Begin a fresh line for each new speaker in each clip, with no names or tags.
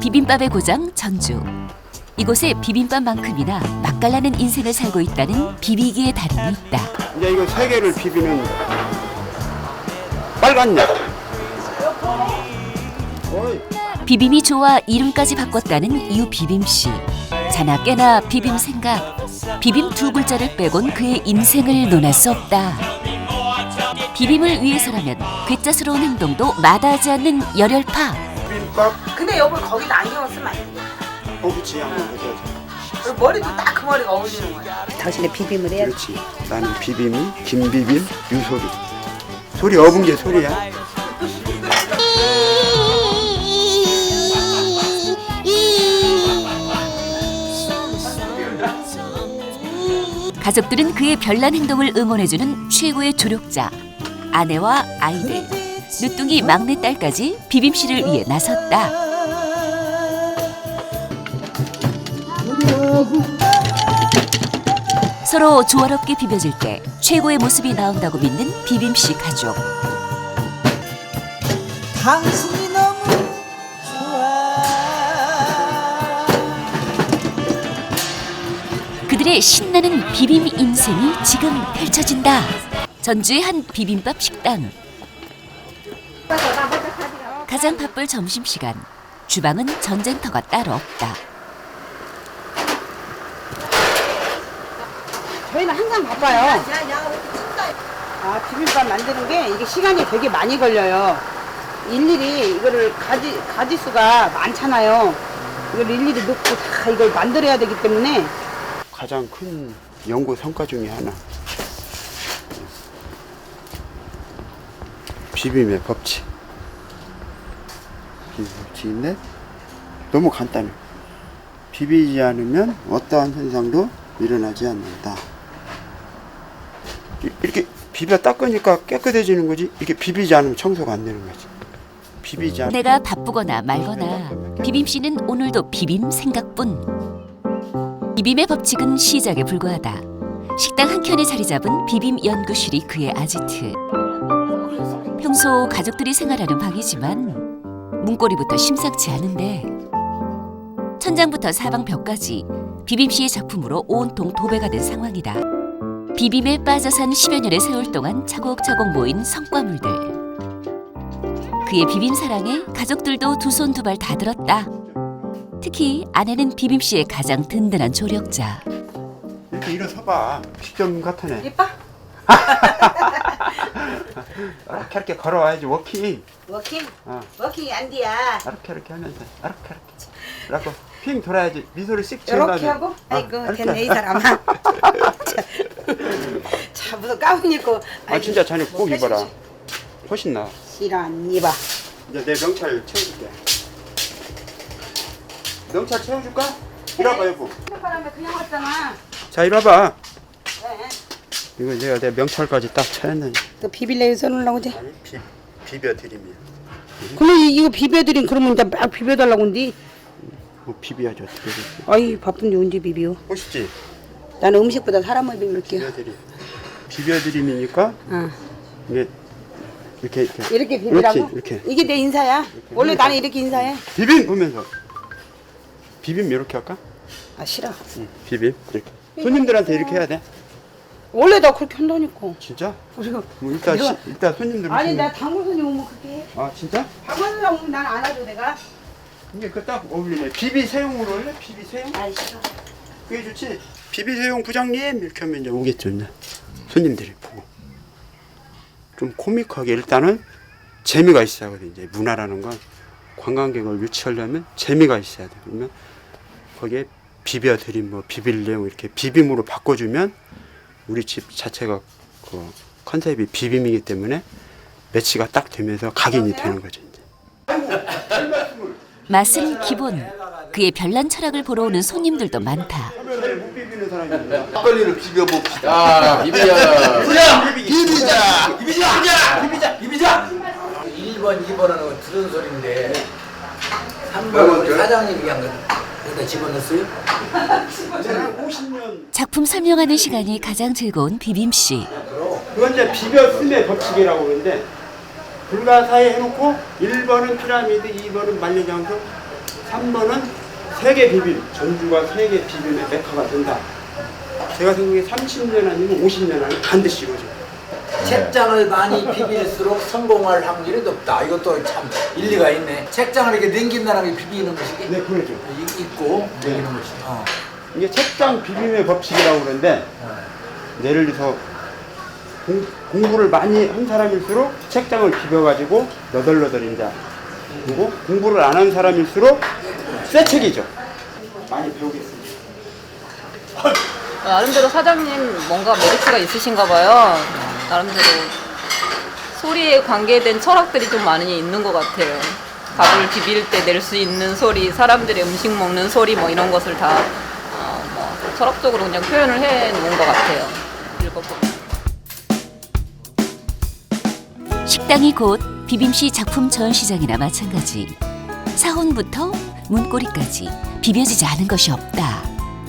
비빔밥의 고장 전주. 이곳에 비빔밥만큼이나 맛깔나는 인생을 살고 있다는 비비기의 달인이 있다.
이제 이거 세 개를 비비는 빨간 약.
비빔이 좋아 이름까지 바꿨다는 이웃 비빔씨. 자나 깨나 비빔 생각. 비빔 두 글자를 빼곤 그의 인생을 논할 수 없다. 비빔을 위해서라면 괴짜스러운 행동도 마다하지 않는 열혈파.
비빔밥.
근데 여보 거기다 안경을 쓰면 안 돼.
그렇지. 안경 해야지.
그리고 머리도 딱 그 머리가 어울리는 거야. 당신의 비빔을 해야 돼.
그렇지. 나는 비빔이 김비빔 유소리. 소리 업은 게 소리야.
가족들은 그의 별난 행동을 응원해주는 최고의 조력자. 아내와 아이들, 늦둥이 막내딸까지 비빔씨를 위해 나섰다. 서로 조화롭게 비벼질 때 최고의 모습이 나온다고 믿는 비빔씨 가족.
당신이 너무 좋아.
그들의 신나는 비빔 인생이 지금 펼쳐진다. 전주의 한 비빔밥 식당. 가장 바쁠 점심시간. 주방은 전쟁터가 따로 없다.
저희는 항상 바빠요. 비빔밥 만드는 게 이게 시간이 되게 많이 걸려요. 일일이 이거를 가지수가 많잖아요. 이걸 일일이 넣고 다 이걸 만들어야 되기 때문에
가장 큰 연구 성과 중에 하나. 비빔의 법칙. 비빔 법칙인데 너무 간단해. 비비지 않으면 어떠한 현상도 일어나지 않는다. 이렇게 비벼 닦으니까 깨끗해지는 거지. 이렇게 비비지 않으면 청소가 안 되는 거지. 비비지 않으면
내가 바쁘거나 말거나 비빔씨는 오늘도 비빔 생각뿐. 비빔의 법칙은 시작에 불과하다. 식당 한켠에 자리 잡은 비빔 연구실이 그의 아지트. 평소 가족들이 생활하는 방이지만 문고리부터 심상치 않은데 천장부터 사방 벽까지 비빔씨의 작품으로 온통 도배가 된 상황이다. 비빔에 빠져 산 10여 년의 세월 동안 차곡차곡 모인 성과물들. 그의 비빔 사랑에 가족들도 두 손 두 발 다 들었다. 특히 아내는 비빔씨의 가장 든든한 조력자.
이렇게 일어서봐. 시점 같으네.
예뻐?
이렇게 걸어와야지. 워킹.
워킹?
어.
워킹이 안 돼야.
이렇게 하면서 이렇게 핑 돌아야지. 미소를 씩 지은 다음에.
이렇게 하고? 아이고
이렇게.
됐네 이 사람아. 자 무슨 가운 입고.
진짜 자네 꼭 입어라. 훨씬 나아.
싫어 안 입어.
이제 내 명찰 채워줄게. 명찰 채워줄까? 이리 와봐 여보.
바람에 그냥 왔잖아.
자 이리 와봐.
네.
이거 내가 내 명찰까지 딱 채웠네.
너 비빌래 써놓으려고 이제?
아니 비벼드림이야.
그럼 이거 비벼드린 그러면 이제 막 비벼달라고 한디?
뭐 비벼야지 어떻게 돼.
아이 바쁜데 언제 비벼?
멋있지?
나는 음식보다 사람을 비빌게요.
비벼드림. 비벼드림이니까
어.
이게 이렇게
이렇게 비비라고?
이렇게.
이게 내 인사야. 원래 나는 이렇게 인사해.
비빔 보면서. 비빔 이렇게 할까?
아 싫어.
비빔 이렇게. 손님들한테 이렇게 해야 돼.
원래 나 그렇게 한다니까.
진짜?
그리고
뭐 일단
내가-
일단 손님들
아니
오시면-
나 당구 손님 오면 그렇게 해.
아 진짜?
당구 손님 오면 난 안 하죠 내가.
이게 그 딱 어울리네. 비비 새용으로 할래? 비비 새용?
아이 싫어.
그게 좋지. 비비 새용 부장님 이렇게 하면 이제 오겠죠. 이제. 손님들이 보고 좀 코믹하게 일단은 재미가 있어야 하거든. 이제 문화라는 건 관광객을 유치하려면 재미가 있어야 돼. 그러면 거기에 비벼드림 뭐 비빌래 뭐 이렇게 비빔으로 바꿔주면 우리 집 자체가 그 컨셉이 비빔이기 때문에 매치가 딱 되면서 각인이 되는 거죠. 이제.
맛은 기본. 그의 별난 철학을 보러 오는 손님들도 많다.
못 비비는 사람입니다.
막걸리를 비벼봅시다. 비비자. 비비자. 비비자. 1번, 2번 하는 건 들은 소리인데 3번 우리 사장님이 한 거 여기다 집어넣었어요?
50년
작품 설명하는 시간이 가장 즐거운 비빔씨.
그건 이제 비벼쓰의 법칙이라고 그러는데 불가사의 해놓고 1번은 피라미드, 2번은 만리장성, 3번은 세계 비빔, 전주가 세계 비빔의 메카가 된다. 제가 생각에 30년 아니면 50년 안에 반드시 이루어져요.
책장을 많이 비빌수록 성공할 확률이 높다. 이것도 참 일리가 있네. 책장을 이렇게 넘긴다는 게 비비는 것이기?
네, 그렇죠.
있고 넘기는 것이.
이게 책장 비빔의 법칙이라고 그러는데 예를 들어서 공부를 많이 한 사람일수록 책장을 비벼가지고 너덜너덜 이제 그리고 공부를 안 한 사람일수록 새 책이죠. 많이 배우겠습니다.
나름대로 사장님 뭔가 메리트가 있으신가 봐요. 나름대로 소리에 관계된 철학들이 좀 많이 있는 것 같아요. 밥을 비빌 때 낼 수 있는 소리, 사람들의 음식 먹는 소리 뭐 이런 것을 다 뭐 철학적으로 그냥 표현을 해 놓은 것 같아요. 읽어보면.
식당이 곧 비빔씨 작품 전시장이나 마찬가지. 사원부터 문고리까지 비벼지지 않은 것이 없다.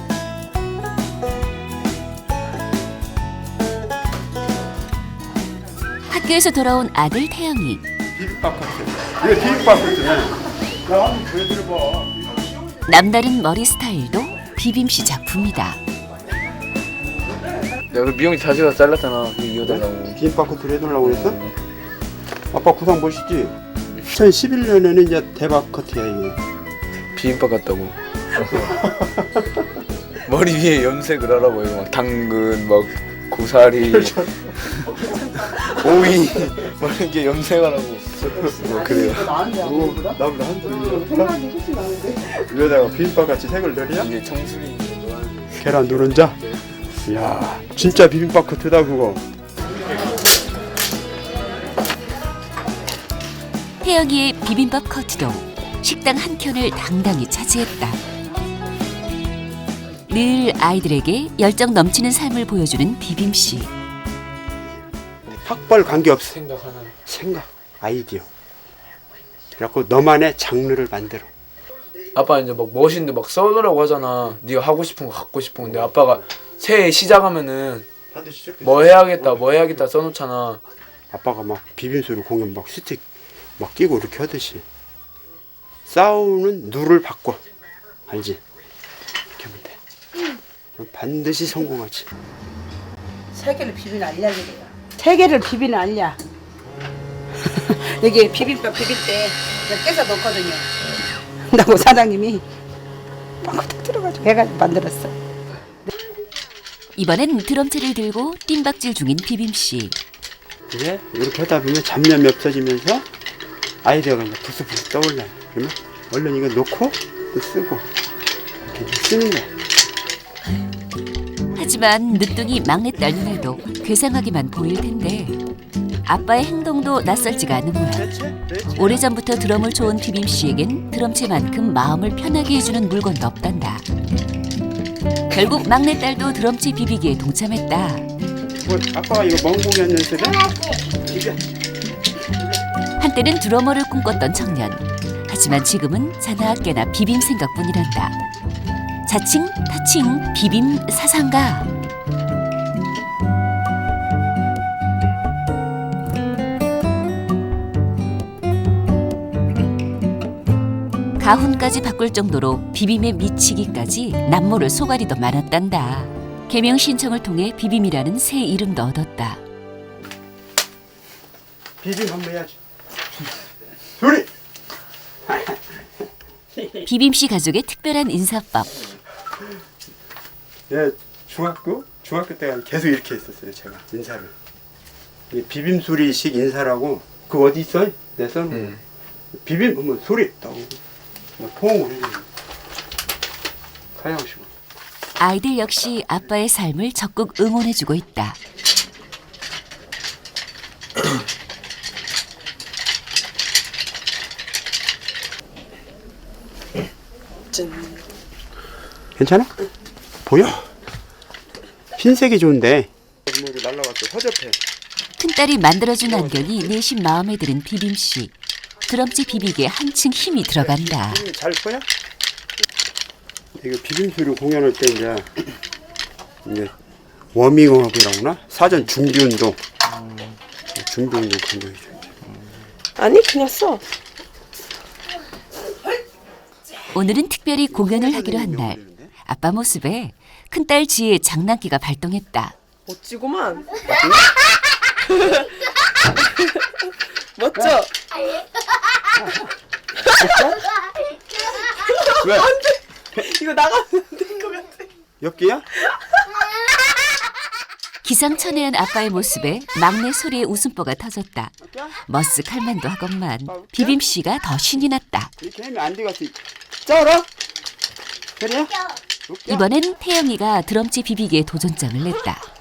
학교에서 돌아온 아들 태영이.
비빔밥 같아요. 이거 비빔밥 같아요. 나 한번 보여드려봐.
남다른 머리 스타일도 비빔씨 작품이다.
내가 미용실 자주 가서 잘랐잖아. 이거 달라고.
비빔밥 커트를 해달라고 그랬어? 아빠 구상 보시지? 2011년에는 이제 대박 커트야 이게.
비빔밥 같다고. 머리 위에 염색을 하라고 이거 막 당근 막 고사리 오이 막 이렇게 염색하라고. 뭐 그래요.
나보다 한 생각이 훨씬 나는데. 위에다가 비빔밥 같이 색을 내려?
이게 청순이
계란 노른자? 이야 진짜 비빔밥 커트다 그거.
태영이의 비빔밥 커트도 식당 한 켠을 당당히 차지했다. 늘 아이들에게 열정 넘치는 삶을 보여주는 비빔씨.
학벌 관계없어.
생각하는.
생각, 아이디어. 그래갖고 너만의 장르를 만들어.
아빠 이제 막 멋있는데 막 써놓으라고 하잖아. 네가 하고 싶은 거 갖고 싶은 건데 아빠가 새해 시작하면은 뭐 해야겠다 써놓잖아.
아빠가 막 비빔소리 공연 막 스틱 막 끼고 이렇게 하듯이 싸우는 누를 바꿔. 알지? 이렇게 하면 돼. 그럼 반드시 성공하지.
세 개를 비비는 알약이래요. 세 개를 비비는 알약. 여기 비빔밥 비빌 때 그냥 깨서 넣거든요. 나고 사장님이 빵꾸 탁 들어가지고 해가지고 만들었어.
이번엔 드럼체를 들고 뜀박질 중인 비빔씨.
이제 이렇게 하다 보면 잡념이 없어지면서 아이디어가 이제 부스부스 떠올라요. 그러면 얼른 이거 놓고 또 쓰고 이렇게 쓰는 거야.
하지만 늦둥이 막내딸 눈에도 괴상하게만 보일 텐데 아빠의 행동도 낯설지가 않은 모양. 오래전부터 드럼을 좋은 비빔씨에겐 드럼체만큼 마음을 편하게 해주는 물건도 없단다. 결국 막내딸도 드럼체 비비기에 동참했다.
뭐 아빠가 이거 먼 공연 연습해? 이게
한때는 드러머를 꿈꿨던 청년. 하지만 지금은 자나깨나 비빔 생각뿐이란다. 자칭 타칭 비빔 사상가. 가훈까지 바꿀 정도로 비빔에 미치기까지 남모를 소가리도 많았단다. 개명 신청을 통해 비빔이라는 새 이름도 얻었다.
비빔 한번 해야지. 소리.
비빔씨 가족의 특별한 인사법.
예, 중학교 때 계속 이렇게 했었어요. 제가 인사를. 이 비빔 소리식 인사라고 그 어디 있어? 내 썰. 비빔 하면 소리 나오고 포옹을 해주고 사양시고.
아이들 역시 아빠의 삶을 적극 응원해주고 있다.
괜찮아? 보여? 흰색이 좋은데. 날라갔어. 허접해.
큰딸이 만들어준 안경이 내심 마음에 드는 비빔씨. 드럼치 비비기에 한층 힘이 들어간다.
잘 보여? 이거 비빔 소리 공연할 때 이제 워밍업이라고 하나? 사전 준비 운동. 준비 운동 간격이죠.
아니 그냥 써.
오늘은 특별히 공연을 하기로 한 날. 아빠 모습에 큰딸 지혜의 장난기가 발동했다.
멋지구만. 멋져.
왜?
이거 나가면 안 될 것 같아.
엽기야?
기상천외한 아빠의 모습에 막내 소리의 웃음보가 터졌다. 머쓱할 만도 하건만 비빔 씨가 더 신이 났다.
이렇게 하면 안 되겠어. 쩔어? 그래?
이번엔 태영이가 드럼치 비비기에 도전장을 냈다.